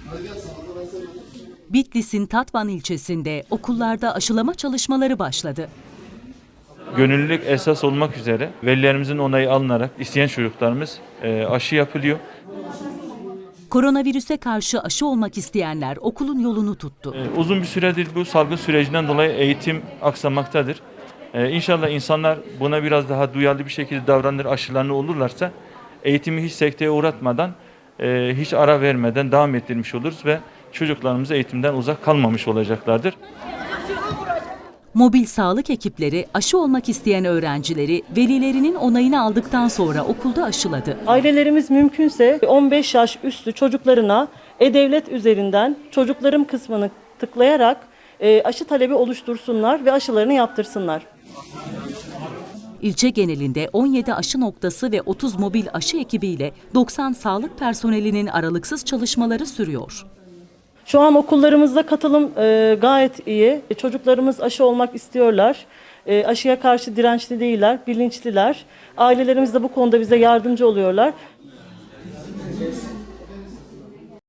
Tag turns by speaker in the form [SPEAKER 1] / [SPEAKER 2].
[SPEAKER 1] Bitlis'in Tatvan ilçesinde okullarda aşılama çalışmaları başladı.
[SPEAKER 2] Gönüllülük esas olmak üzere velilerimizin onayı alınarak isteyen çocuklarımız aşı yapılıyor.
[SPEAKER 1] Koronavirüse karşı aşı olmak isteyenler okulun yolunu tuttu.
[SPEAKER 2] Uzun bir süredir bu salgın sürecinden dolayı eğitim aksamaktadır. İnşallah insanlar buna biraz daha duyarlı bir şekilde davranır, aşılarını olurlarsa eğitimi hiç sekteye uğratmadan, hiç ara vermeden devam ettirmiş oluruz ve çocuklarımız eğitimden uzak kalmamış olacaklardır.
[SPEAKER 1] Mobil sağlık ekipleri aşı olmak isteyen öğrencileri velilerinin onayını aldıktan sonra okulda aşıladı.
[SPEAKER 3] Ailelerimiz mümkünse 15 yaş üstü çocuklarına e-devlet üzerinden çocuklarım kısmını tıklayarak aşı talebi oluştursunlar ve aşılarını yaptırsınlar.
[SPEAKER 1] İlçe genelinde 17 aşı noktası ve 30 mobil aşı ekibiyle 90 sağlık personelinin aralıksız çalışmaları sürüyor.
[SPEAKER 3] Şu an okullarımızda katılım gayet iyi. Çocuklarımız aşı olmak istiyorlar. Aşıya karşı dirençli değiller, bilinçliler. Ailelerimiz de bu konuda bize yardımcı oluyorlar.